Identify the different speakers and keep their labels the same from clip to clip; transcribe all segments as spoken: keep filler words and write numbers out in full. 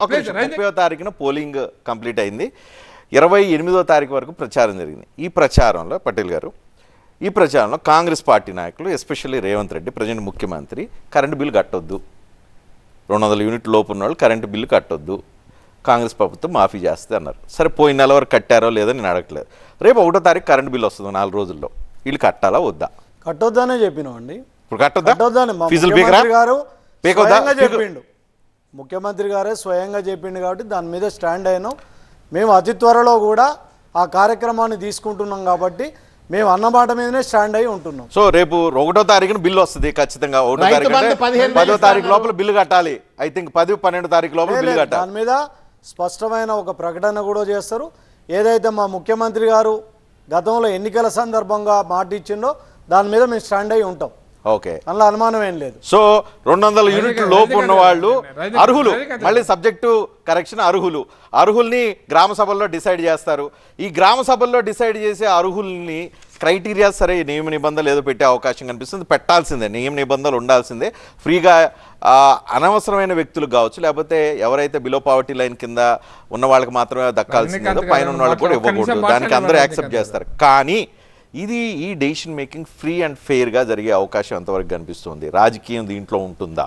Speaker 1: ముప్పై తారీఖున polling complete అయింది. ఇరవై ఎనిమిదో తారీఖు వరకు ప్రచారం జరిగింది. ఈ ప్రచారంలో పటేల్ గారు ఈ ప్రచారంలో కాంగ్రెస్ పార్టీ నాయకులు ఎస్పెషల్లీ రేవంత్ రెడ్డి ప్రజెంట్ ముఖ్యమంత్రి కరెంటు బిల్లు కట్టొద్దు, రెండు వందల యూనిట్ లోపు ఉన్న వాళ్ళు కరెంటు బిల్లు కట్టొద్దు, కాంగ్రెస్ ప్రభుత్వం మాఫీ చేస్తే అన్నారు. సరే పోయిన నెల వరకు కట్టారో లేదో నేను అడగట్లేదు. రేపు ఒకటో తారీఖు కరెంటు బిల్లు వస్తుంది నాలుగు రోజుల్లో, వీళ్ళు కట్టాలా వద్దా?
Speaker 2: కట్టొద్దనే చెప్పినామండి.
Speaker 1: ఇప్పుడు కట్టొద్దా? ఫీజులు
Speaker 2: గారు చెప్పిండు, ముఖ్యమంత్రి గారే స్వయంగా చెప్పిండు కాబట్టి దాని మీద స్టాండ్ అయినాం. మేము అతి త్వరలో కూడా ఆ కార్యక్రమాన్ని తీసుకుంటున్నాం కాబట్టి మేము అన్నమాట మీదనే స్టాండ్ అయి ఉంటున్నాం.
Speaker 1: సో రేపు ఒకటో తారీఖున బిల్లు వస్తుంది ఖచ్చితంగా. ఒకటో తారీఖు పదో తారీఖు లోపల బిల్లు కట్టాలి. ఐ థింక్ పది పన్నెండు తారీఖు లోపల బిల్లు కట్టాలి.
Speaker 2: దాని మీద స్పష్టమైన ఒక ప్రకటన కూడా చేస్తారు. ఏదైతే మా ముఖ్యమంత్రి గారు గతంలో ఎన్నికల సందర్భంగా మాట ఇచ్చిండో దాని మీద మేము స్టాండ్ అయి ఉంటాం.
Speaker 1: ఓకే,
Speaker 2: అందులో అనుమానం ఏం లేదు.
Speaker 1: సో రెండు వందల యూనిట్లు లోపు ఉన్న వాళ్ళు అర్హులు, మళ్ళీ సబ్జెక్టు కరెక్షన్, అర్హులు అర్హుల్ని గ్రామ సభల్లో డిసైడ్ చేస్తారు. ఈ గ్రామ సభల్లో డిసైడ్ చేసే అర్హుల్ని క్రైటీరియా సరే నియమ నిబంధనలు ఏదో పెట్టే అవకాశం కనిపిస్తుంది. పెట్టాల్సిందే, నియమ నిబంధనలు ఉండాల్సిందే. ఫ్రీగా అనవసరమైన వ్యక్తులు కావచ్చు, లేకపోతే ఎవరైతే బిలో పావర్టీ లైన్ కింద ఉన్న వాళ్ళకి మాత్రమే దక్కాల్సిందేదో పైన ఉన్న వాళ్ళకి కూడా ఇవ్వకూడదు. దానికి అందరూ యాక్సెప్ట్ చేస్తారు. కానీ ఇది ఈ decision making free and fair గా జరిగే అవకాశం ఎంతవరకు కనిపిస్తుంది? రాజకీయం దీంట్లో ఉంటుందా?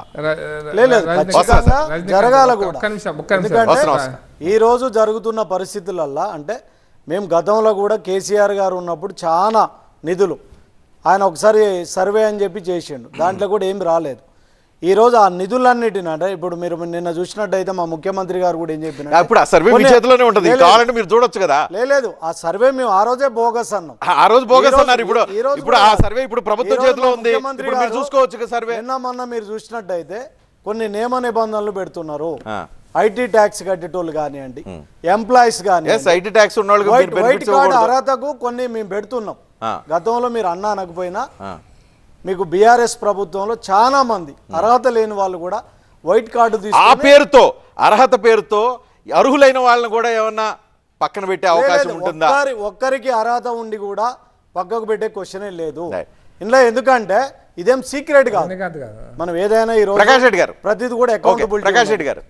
Speaker 2: జరగాల కూడా. ఎందుకంటే ఈ రోజు జరుగుతున్న పరిస్థితులల్లా అంటే మేము గతంలో కూడా కేసీఆర్ గారు ఉన్నప్పుడు చాలా నిధులు ఆయన ఒకసారి సర్వే అని చెప్పి చేసిండు, దాంట్లో కూడా ఏమి రాలేదు. ఈ రోజు ఆ నిధులన్నిటిని అంటే ఇప్పుడు మీరు నిన్న చూసినట్టయితే మా ముఖ్యమంత్రి గారు కూడా ఏం చెప్పిన
Speaker 1: ఇప్పుడు ఆ సర్వే మీ చేతిలోనే ఉంటుంది, కావాలంటే మీరు చూడొచ్చు కదా.
Speaker 2: లేదు, ఆ సర్వే మేము ఆ రోజే బోగస్ అన్నాం.
Speaker 1: ఆ రోజు బోగస్ అన్నారు. ఇప్పుడు ఇప్పుడు ఆ సర్వే ఇప్పుడు ప్రభుత్వం చేతిలో ఉంది, ఇప్పుడు మీరు చూసుకోవచ్చు సర్వే.
Speaker 2: నిన్న మొన్న మీరు చూసినట్టయితే కొన్ని నియమ నిబంధనలు పెడుతున్నారు. ఐటీ ట్యాక్స్ కట్టేటోళ్ళు కానివ్వండి, ఎంప్లాయీస్ కానివ్వండి,
Speaker 1: ఐటీ ట్యాక్స్ ఉన్న
Speaker 2: వైట్ కార్డు అర్హతకు కొన్ని మేము పెడుతున్నాం. గతంలో మీరు అన్నా అనకపోయినా మీకు బీఆర్ఎస్ ప్రభుత్వంలో చాలా మంది అర్హత లేని వాళ్ళు కూడా వైట్ కార్డు
Speaker 1: ఆ పేరుతో అర్హత పేరుతో అర్హులైన వాళ్ళని కూడా ఏమన్నా పక్కన పెట్టే అవకాశం ఉంటుందా?
Speaker 2: ఒక్కరికి అర్హత ఉండి కూడా పక్కకు పెట్టే క్వశ్చనే లేదు ఇందులో. ఎందుకంటే ఇదేం సీక్రెట్ కాదు. మనం ఏదైనా ఈ రోజు
Speaker 1: ప్రకాష్ రెడ్డి గారు
Speaker 2: ప్రతిది కూడా అకౌంటబిలిటీ.
Speaker 1: ప్రకాష్ రెడ్డి గారు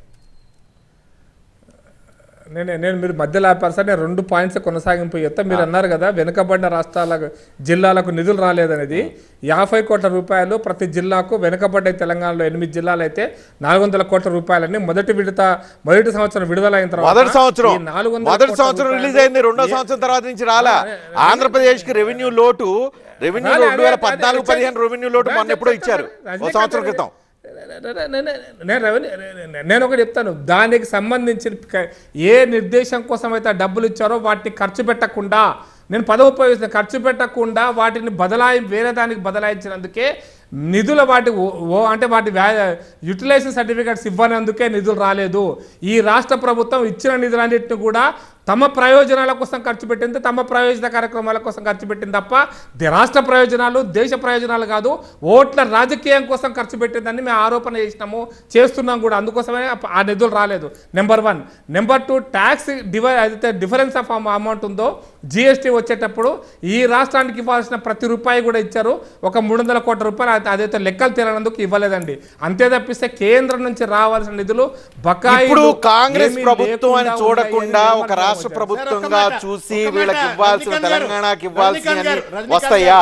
Speaker 3: నేను నేను మీరు మధ్యలో ఆపారు సార్. నేను రెండు పాయింట్స్ కొనసాగింపు చెప్తా. మీరు అన్నారు కదా వెనుకబడిన రాష్ట్రాలకు జిల్లాలకు నిధులు రాలేదనేది. యాభై కోట్ల రూపాయలు ప్రతి జిల్లాకు వెనుకబడ్డ తెలంగాణలో ఎనిమిది జిల్లాలు అయితే నాలుగు వందల కోట్ల రూపాయలని మొదటి విడత మొదటి సంవత్సరం విడుదలైన తర్వాత
Speaker 1: మొదటి సంవత్సరం మొదటి సంవత్సరం రిలీజ్ అయింది. రెండో సంవత్సరం తర్వాత నుంచి రాలా. ఆంధ్రప్రదేశ్ కి రెవెన్యూ లోటు రెవెన్యూ రెండు వేల పద్నాలుగు పదిహేను రెవెన్యూ లోటు మొన్న ఎప్పుడో ఇచ్చారు, ఒక సంవత్సరం క్రితం.
Speaker 3: నేను రెవెన్యూ నేను ఒకటి చెప్తాను, దానికి సంబంధించిన ఏ నిర్దేశం కోసం అయితే డబ్బులు ఇచ్చారో వాటిని ఖర్చు పెట్టకుండా, నేను పదవి ఉపయోగిస్తున్న ఖర్చు పెట్టకుండా వాటిని బదలాయి వేరే దానికి బదలాయించినందుకే నిధుల వాటి ఓ అంటే వాటి యూటిలైజేషన్ సర్టిఫికేట్స్ ఇవ్వనందుకే నిధులు రాలేదు. ఈ రాష్ట్ర ప్రభుత్వం ఇచ్చిన నిధులన్నింటినీ కూడా తమ ప్రయోజనాల కోసం ఖర్చు పెట్టింది, తమ ప్రయోజన కార్యక్రమాల కోసం ఖర్చు పెట్టింది తప్ప రాష్ట్ర ప్రయోజనాలు దేశ ప్రయోజనాలు కాదు, ఓట్ల రాజకీయం కోసం ఖర్చు పెట్టిందని మేము ఆరోపణ చేసినాము, చేస్తున్నాం కూడా. అందుకోసమే ఆ నిధులు రాలేదు. Number one. Number two, tax డివై అయితే డిఫరెన్స్ ఆఫ్ అమౌంట్ ఉందో జిఎస్టీ వచ్చేటప్పుడు ఈ రాష్ట్రానికి ఇవ్వాల్సిన ప్రతి రూపాయి కూడా ఇచ్చారు. ఒక మూడు వందల కోట్ల రూపాయలు అదైతే లెక్కలు తేలనందుకు ఇవ్వలేదండి. అంతే తప్పిస్తే కేంద్రం నుంచి రావాల్సిన నిధులు బకాయిలు
Speaker 1: కాంగ్రెస్ ప్రభుత్వం అని చూడకుండా ఒక రాష్ట్ర ప్రభుత్వంగా చూసి వీళ్ళకి ఇవ్వాల్సిన తెలంగాణకి ఇవ్వాల్సిన వస్తాయా?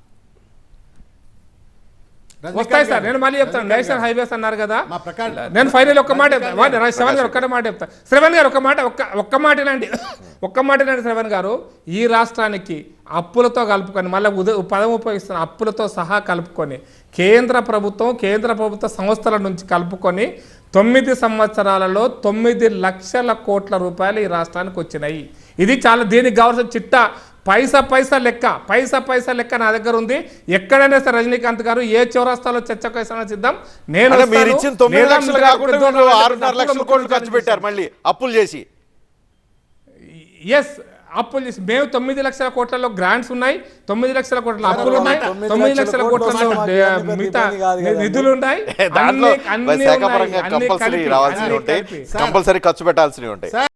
Speaker 3: వస్తాయి సార్. నేను మళ్ళీ చెప్తాను, నేషనల్ హైవేస్ అన్నారు కదా. నేను ఫైనల్ ఒక్క మాట శ్రవణ్ గారు ఒక్కటే మాట చెప్తాను. శ్రవణ్ గారు ఒక్క మాట ఒక్క ఒక్క మాటనండి ఒక్క మాటనండి శ్రవణ్ గారు, ఈ రాష్ట్రానికి అప్పులతో కలుపుకొని మళ్ళీ ఉద పదం ఉపయోగిస్తున్న అప్పులతో సహా కలుపుకొని కేంద్ర ప్రభుత్వం కేంద్ర ప్రభుత్వ సంస్థల నుంచి కలుపుకొని తొమ్మిది సంవత్సరాలలో తొమ్మిది లక్షల కోట్ల రూపాయలు ఈ రాష్ట్రానికి వచ్చినాయి. ఇది చాలా దీనికి కావాల్సిన చిట్టా పైసా పైసా లెక్క పైసా పైసా లెక్క నా దగ్గర ఉంది. ఎక్కడైనా సరే రజనీకాంత్ గారు ఏ చౌరాస్తాలో చర్చకైనా సిద్ధం. నేను
Speaker 1: ఖర్చు పెట్టారు మళ్ళీ అప్పులు చేసి.
Speaker 3: ఎస్, అప్పులు చేసి మేము తొమ్మిది లక్షల కోట్లలో గ్రాంట్స్ ఉన్నాయి, తొమ్మిది లక్షల కోట్ల అప్పులు ఉన్నాయి, తొమ్మిది లక్షల కోట్లలో మిగతా నిధులు ఉన్నాయి.
Speaker 1: కంపల్సరీ ఖర్చు పెట్టాల్సినవి ఉంటాయి.